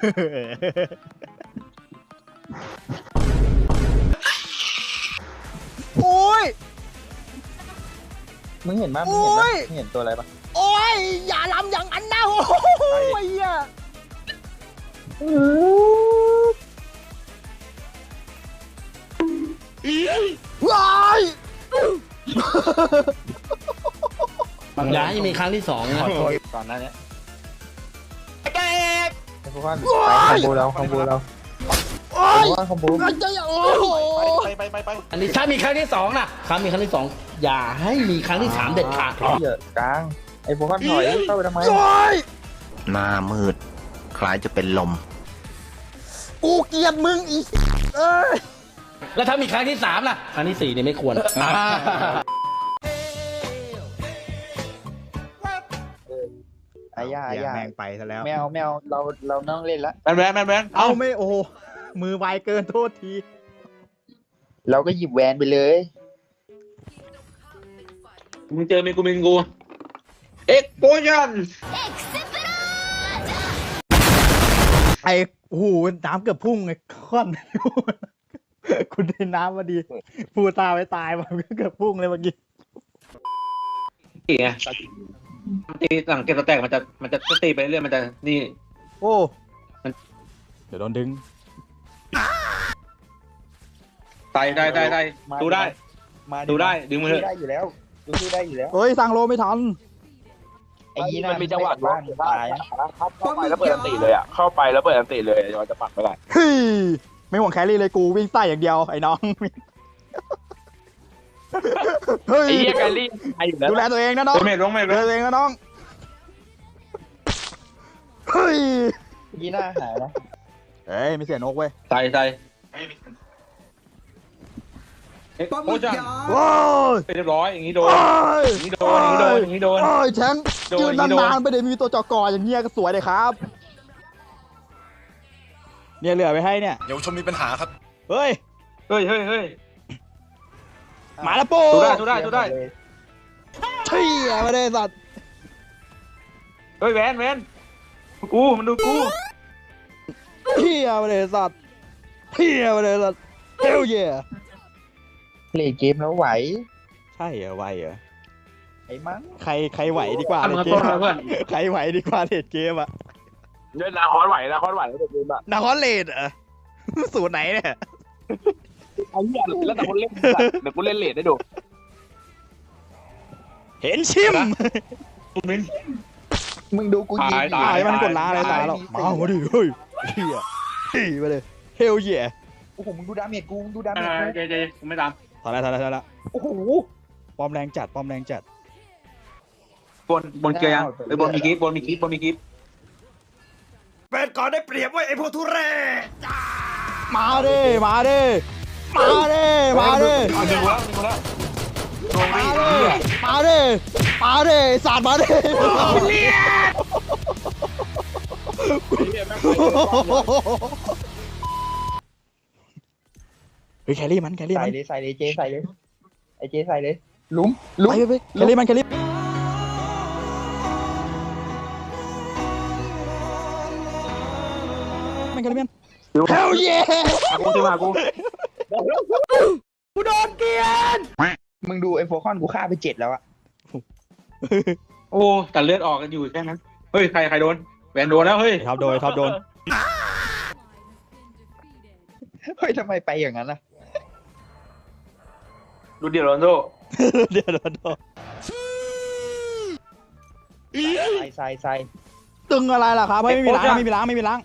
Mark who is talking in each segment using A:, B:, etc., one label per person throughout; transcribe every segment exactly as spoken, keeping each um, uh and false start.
A: โอ้ย
B: มึงเห็นมั้ยมึงเห็นมั้ยมึงเห็นตัวอะไรปะ
A: โอ้ยอย่าลำอย่างนั้นนะโอ้ยอ่ะว้าย
C: อย่าให้มีครั้งที่สองนะ
B: ก่อนหน้านี้
A: ไอ้เด็ก
B: ไอ้พวกนั้นไปคอมโบเราคอมโบเรา
A: โอ้ย
B: คอมโบ
A: ไอ้เจ้าโอ้โห
D: ไปไปไปไป
C: อันนี้ถ้ามีครั้งที่สองนะครั้งมีครั้งที่สองอย่าให้มีครั้งที่สามเด็ดขาด
B: เยอะกลางไอ้พวกนั้นถอยเข้าไปทำไม
A: โอ้ย
E: หน้ามืด คล้ายจะเป็นลม
A: กูเกลียดมึงอีกเอ้ย
C: แล้วถ้ามีครั้งที่สามล่ะครั้งที่สี่เนี่ยไม่ควร
B: ไอ้ย่าไอ้ย่า
A: แมงไปซะแล้ว
B: แมวแมวเราเราต้องเล่นละ
D: แมนแมนแมนแมน
A: เอาไม่โอ้มือไวเกินโทษที
B: เราก็หยิบแวนไปเลย
D: มึงเจอเมกูเมกูเอ็กโพชั่น
A: ไอ้โอ้โหน้ำเกือบพุ่งไอ้ค่อนคุณได้น้ำมาดีพูดตาไว้ตายมันเกือบพุ่งเลยเมื่อกี้
D: ตีไงตีหลังเก็บสแต็กมันจะมันจะตีไปเรื่อยมันจะนี่
A: โอ้เดี๋ยวโดนดึง
D: ตายได้ได้ได้ดูได้
B: มา
D: ดูได้ดึงมือ
B: ดูได้อยู่แล้วดูดูได้อยู่แล้ว
A: เฮ้ยสั่งโลไม่ทัน
B: ไอ้ยี่น่ามันมีจังหวะบ้านตาย
D: เข้าไปแล้วเปิดอันติเลยอ่ะเข้าไปแล้วเปิดอันติเลยมันจะปักไม่ได้
A: เฮ้ยไม่ห่วงแครี่เลยกูวิ่งใต้อย่างเดียวไอ้น้องเฮ้ย
D: ไอ้เหี้ยแกลี่ไอ้อยู่แล้ว
A: ดูแลตัวเองนะน้อง
D: เมทลงเมท
A: ดู
D: ล
A: แล
D: ง
A: ตัวเองนะน้องเฮ้ย
B: ยี่น่าหายนะ
A: เฮ้ยไม่เสียนกเว้ย
D: ใส่ใส่เอ็กโพชั่น
A: ว้าว
D: เรียบร้อยอย่างนี้โดน
A: โอ้ย
D: อย่างนี้โดนอย่างนี้โดนอย่างนี้โดน
A: โอ้ยแชง
D: โดน
A: ยืน
D: อย่างนี้โดน
A: นานๆไปเดี๋ยวมีตัวจอกออย่างเงี้ยก็สวยเลยครับ เนี่ยเหลือไว้ให้เนี่ย
E: เดี๋ยวชมมีปัญหาครับ
A: เฮ้ย
D: เฮ้ยเฮ้ยเฮ้ย
A: มาแล้วโป้
D: ดูได้ดูได้ดูได้
A: เชี่ยมาเลยสัตว์
D: เฮ้ยแวนแวนกูมันดูกู
A: เชี่ยมาเลยสัตว์เชี่ยมาเลยสัตว์เฮลเย่
B: เล่นเกมแล้วไหว
A: ใช่เหรอไวเหรอ
B: ไอ้มั้ง
A: ใครใครไหวดีกว่า
D: ทำ
A: ใน
D: มา
A: เก
D: ต้
A: ม
D: นมาเพื่อน
A: ใครไหวดีกว่าเลดเกมอะ
D: เล่นนาคอนไหวนาคอนไหวแล้วแต่เกมอะ
A: นาคอนเลดเหรอสูตรไหนเนี่ย
D: ไอ้เหี้ยแล้วแต่คนเล่นเดี๋ยวกูเล่นเลดได้ดู
A: เห็นชิม
D: กูมิน
B: มึงดูกูยิง
D: ตาย
A: ตายมันกดล้าอะไรตายหรอกมามาดิเฮ้ยเชี่ยเฮ้ยมาเลยเฮลเย่
B: โอ้โหมึงดูดาเมจกูมึงดูดา
D: เอ
B: เมจ
D: อ
B: กู
D: เจเจกูไม่ตาม
A: ถอยแล้วถอยแล้วถอยแล้ว
B: โอ้โห
A: ปอมแรงจัดปอมแรงจัด
D: บนบนเกียร์ยังไปบนมีคลิปบนมีคลิปบนมีคลิป
E: เป็นก่อนได้เปรียบไว้ไอ้พวกทุเรศ
A: มาดิมาดิมาดิมาดิ
D: เอาดึงแล้วดึงแล้ว
A: มาดิมาดิมาดิสาดมาดิเฮ้ยแครี่มันแครี่
B: ใส่
A: มัน
B: เลยใส่เลยเจใส่เลยไอ้เจใส่เลยลุ้มลุ้ม
A: ไปไปแครี่มันแครี่มันแครี่มันเฮลเย่
D: มากูที่มากู
A: กูโดนเกลียน
B: มึงดูไอ้โฟคอนกูฆ่าไปเจ็ดแล้วอะ
D: โอ้แต่เลือดออกกันอยู่แค่นั้นเฮ้ยใครใครโดนแวนโดนแล้วเฮ้ย
A: ท็อปโดนท็อปโดน
B: เฮ้ยทำไมไปอย่างนั้นล่ะ
D: ดูเดียวโรนโด
A: เดี๋ยวโดนโดน
B: ใส่ใส่ใส่
A: ตึงอะไรล่ะครับไม่มีล้างไม่มีล้างไม่มีล้าง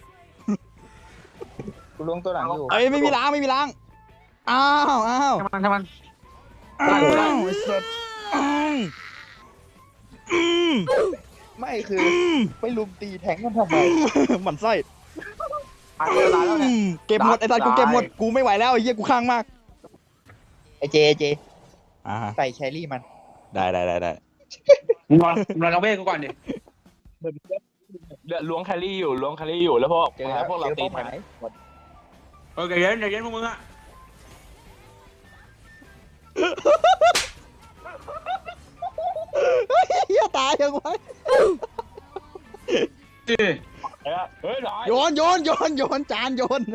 B: กูลงตัวหลังอยู่
A: เอ้ยไม่มีล้างไม่มีล้างอ้าวอ้าว
D: ทำมันทำมัน
A: อ้าวไอ้สัสอ้าวอืม
B: ไม่คือไปลุมตีแทงกันทำไม
A: หมันไส้
D: ตายแล้วเนี่ย
A: เก็บหมดไอ้สัสกูเก็บหมดกูไม่ไหวแล้วไอ้เหี้ยกูข้างมาก
B: ไอ้เจเจ
A: อ่า
B: ใส่แครี่มัน
A: ได้ได้ได้ได้
D: มึงรอมึงรอน้องเบ้กูก่อนดิ
F: เดือดล้วงแครี่อยู่ล้วงแครี่อยู่แล้วพวก
B: เจอแล้ว
F: พวกเรา
B: เจอ
F: ตี
B: เป้าห
F: ทัน
B: มาย
D: เออใจเย็นใจเย็นพวกมึงอะ
A: เหี้ยตายยังไง
D: จี
F: เฮ้ยร้อย
A: โยนโยนโยนโยนจานโยน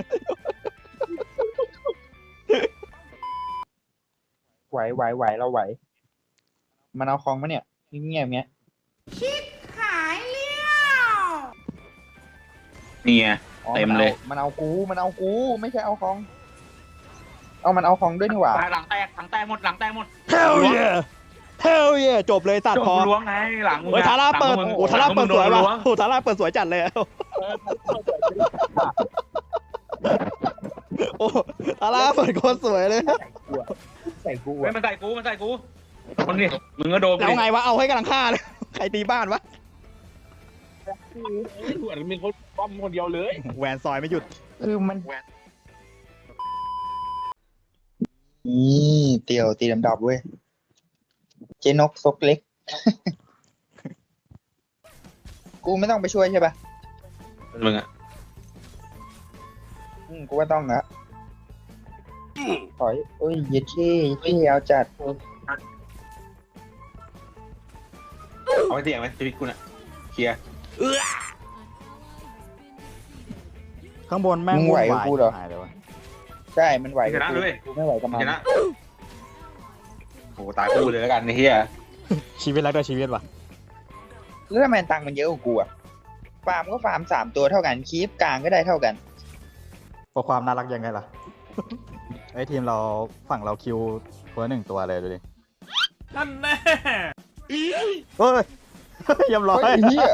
B: ไหวไหวไหวเราไหว มันเอาคลองมาเนี่ยเงียบๆเงี้ย
D: นี่ไง
B: อ๋อ
D: เต็ม
B: นอา
D: เลย
B: มันเอากูมันเอากูไม่ใช่เอาคลอง เอามันเอาคลองด้วยนี่หว่า
D: หลังแตกหลังแตกหมดหลังแตกหมด
A: Hell yeah Hell yeah จบเลยตัด
D: จบ
A: พอ
D: ล้วงไงหลังมึง
A: เฮ้ยทาร่าเปิดโอ้ทาร่าเปิดสวยว่ะโอ้ทาร่าเปิดสวยจัดเลยโอ้ทาร่าเปิดโคตรสวยเลย
B: ใส่กู
D: เฮ้ย
B: อะ
D: มันใส่กูมันใส่กูคนนี้มึงก็โดน
A: แล้วไงวะเอาให้กำลังฆ่าเลยใครตีบ้านวะ
F: เหมือนมีคนป้อมคนเดียวเลย
A: แหวนซอยไม่หยุด
B: คือมันนี่เตี่ยวตีดำดับเว้ย เจนกซกเล็ก กูไม่ต้องไปช่วยใช่ปะ
D: มึงอะ
B: อืมกูว่าต้องนะถอยโอ้ยเย็ดเช่เย็ดเช่เอาจัด
D: เอาไปเสี่ยงไหมชีวิตกูน่ะเคลียร์
A: ข้างบนแม่ง
B: มึงไหวกับกูเหรอ
A: หายเลยวะ
B: ใช่ มันไหว
D: ชนะเลย
B: กูไม่ไหวกับมัน
D: ชนะโอ้ตายกูเลยแล้วกันไอ้เหี้ย
A: ชีวิตแล้วก็ชีวิตว่ะ
B: แล้วทำไมตังค์มันเยอะกว่ากูอะฟาร์มก็ฟาร์มสามตัวเท่ากัน คีฟกลางก็ได้เท่ากัน
A: เพราะความน่ารักยังไงล่ะ ไอ้ทีมเราฝั่งเราคิวคนละหนึ่งตัวเลยดูดิ
E: นั่นแน่
A: เฮ้ย เรียบร้อย
B: เฮ้ยไอ้เหี้ย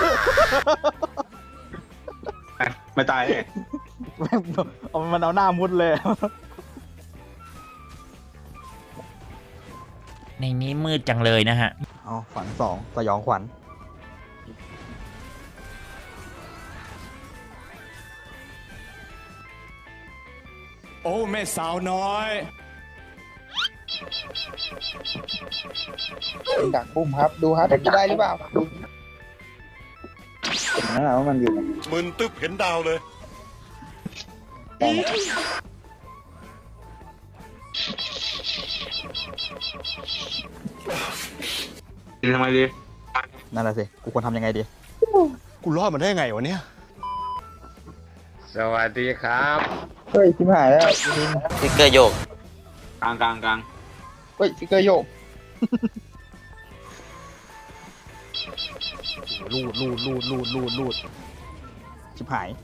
D: ไม่ตายเลย
A: แม่งเอามันเอาหน้ามุดเลย
G: ในนี้มืดจังเลยนะฮะ
A: เอาฝันสองสยองขวัญ
E: โอ้แม่สาวน้อย
B: เป็นดักบุ้มครับ ดูครับจะได้หรือเปล่าดูนั่นแหละว่ามันอยู่
E: มึนตึ๊บเห็นดาวเลย
D: ดีทำไมดี
A: นั่นแหละสิ กูควรทำยังไงดี
E: กูรอดมันได้ไงวะเนี่ย
D: สวัสดีครับ
B: เฮ้ยชิบหายแล้วจริง
G: ติ๊กเกอร์โยก
D: กลางกลางกลาง
B: เฮ้ยฟิกเกอร์โยก
A: ลูดลูดลูดลูดลูดลูดชิบหาย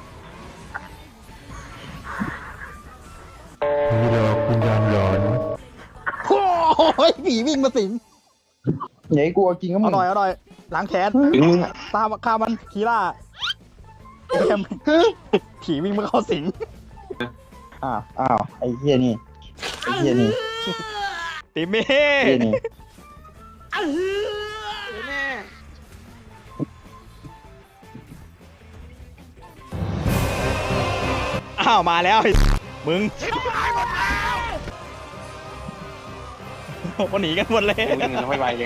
A: โอ้ยผีวิ่งมาสิง
B: อย่าให้กลัวกินก็มึ
A: เอา
B: ง
A: หน่อยเอาหน่อยล้างแค้น
D: ถึงมึง
A: ตามฆ่ามันคีล่าเอ็มผีวิ่งมาเข้าสิง
B: อ้าวอ้าวไอ้เหี้ยนี่ไอ้เหี้ยนี่
A: ติเม่
B: ไอ้เหี้ยนี่
A: อ้าวมาแล้วไอ้มึงมันหนีกันหมดเลย
D: วิ่งกันไม่ไหวเลย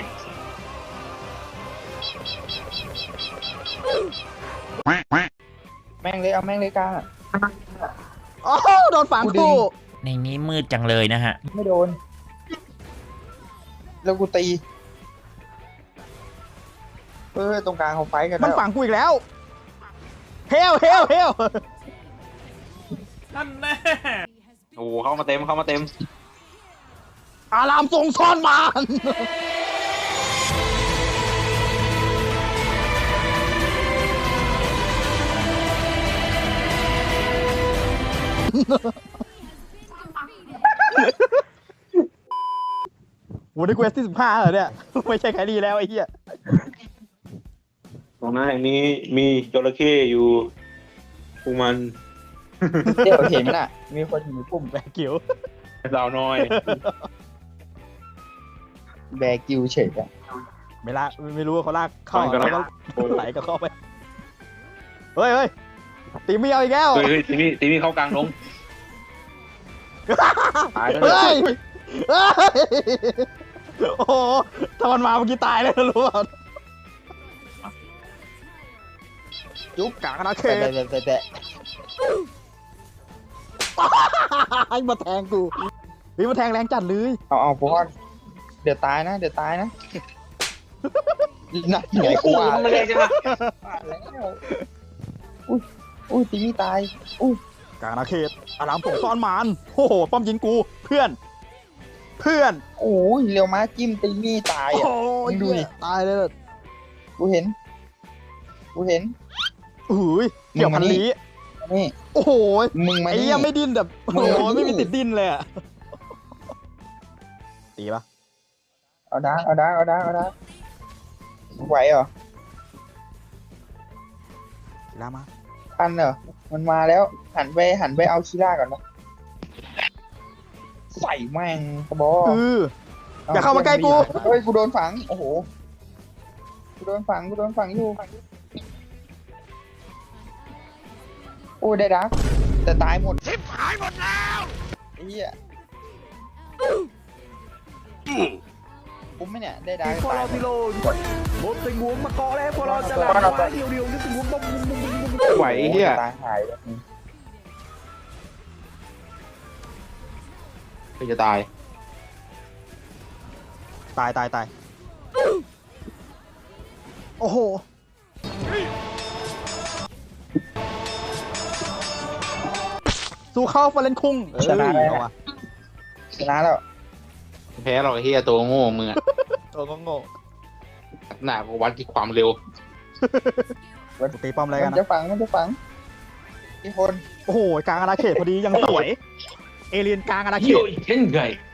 B: แม่งเลยเอาแม่งเลยกลางอะ
A: โอ้โดนฝัง
B: กูดึง
A: คู่
G: ในนี้มืดจังเลยนะฮะ
B: ไม่โดน แล้วกูตีเออตรงกลางเขาไฟท์กัน
A: มัน
B: แล้ว
A: ฝังกูอีกแล้วเฮลเฮลเฮล
E: นั่นแน่
D: โอ้โหเข้ามาเต็มเข้ามาเต็ม
A: อารามทรงซ่อนมาน วันนี้กูเอสที่สิบห้าเหรอเนี่ย ไม่ใช่แครี่แล้วไอ้เหี้ย
D: ตรงนั้นแห่งนี้มีจระเข้อยู่พวกมัน
B: เดี๋ยวเห็นไหมน่ะ มีคนอยู่ในปุ่ม
A: แบกิว
D: สาวน้อย
B: แบกิวเฉยอะ
A: ไม่ละไม่รู้ว่าเขาลากเข้า
D: มันก็
A: แล้วก็ไหลก็เข้าไป เฮ้ยเฮ้ยตีไม่เอาอีกแล้ว
D: เฮ้ยเฮ้ยตีมี่ตีมี่เข้ากลางลงตายแล้ว
A: เฮ้ยเฮ้ย โอ้โหถ้ามันมาเมื่อกี้ตายเลยนะรู้ป่ะ
B: จุ๊บ
A: กลางนะเค
B: แตะแตะแตะแตะ
A: ไอ้มาแทงกูเฮ้ยมาแทงแรงจัดเลย
B: เอาเอาพวกเดี๋ยวตายนะ เดี๋ยวตายนะนักไหนกูว่า
D: มันเลยใช่ไหม
B: ว่าแล้วอุ้ยตีไม่ตายอุ้ย
A: กลางอาณาเขตอารามส่งซ่อนมานโอ้โหป้อมยิงกูเพื่อน เพื่อน
B: โอ้ยเร็วมาจิ้มตีไม่ตาย
A: โอ้
B: อ่ะ
A: ย
B: มึงดูดิ
A: ตายเลยแบบ
B: กูเห็นกูเห็น
A: อุ้ยเกี่ยวพันลี้
B: นี่
A: โอ้โห
B: มึงมา
A: ไอ้
B: นี่
A: เหี้ยังไม่ดิ้นแบบโอ้
B: มึง
A: โห
B: มานี่
A: ไม่มีติดดิ้นเลยอะตีปะ
B: เอาดาเอาดาเอาดาเอาดาไหวเหรอ
A: กีฬามา
B: ทันเหรอมันมาแล้วหันไปหันไปเอาชิล่าก่อนนะใส่แม่งกระบอก
A: เออ อย่าเข้ามาใกล้กู
B: เฮ้ยกูโดนฝังโอ้โหกูโดนฝังกูโดนฝังอยู่โอ้ยได้ดักแต่ตายหมดชิบหายหมดแล้วไอ้เหี้ยคุ้มไหมเนี่ยได้ดักตายหมด
E: หมดสิงหวงมาเกาะแล้วพวกเราจะ
B: ห
E: ลา
B: ลับ
E: กเดียวเดียวนี่สิงหวงต้อง
D: ไหวไอ้เหี้ย
B: ตายหายเลย
D: ก็จะตาย
A: ตายตายตายโอ้โหสู้เข้าฟาเลนคุงเออ
B: ชนะแล้ว
A: เอาวะ
B: ชนะแล้ว
D: แพ้หรอกไอ้เหี้ยตัวโง่มึงอะ
A: ตัวโง่
D: หน้าก็วัดที่ความเร็ว
A: ๆกูตีป้อมอะไรกั
B: มัน น
A: นะ
B: จะฝังมันจะฝังที่คน
A: โอ้โหกลางอาณาเขตพอดียังสวย เอเลียนกลางอาณาเข
D: โย
A: ต
D: เช่นไง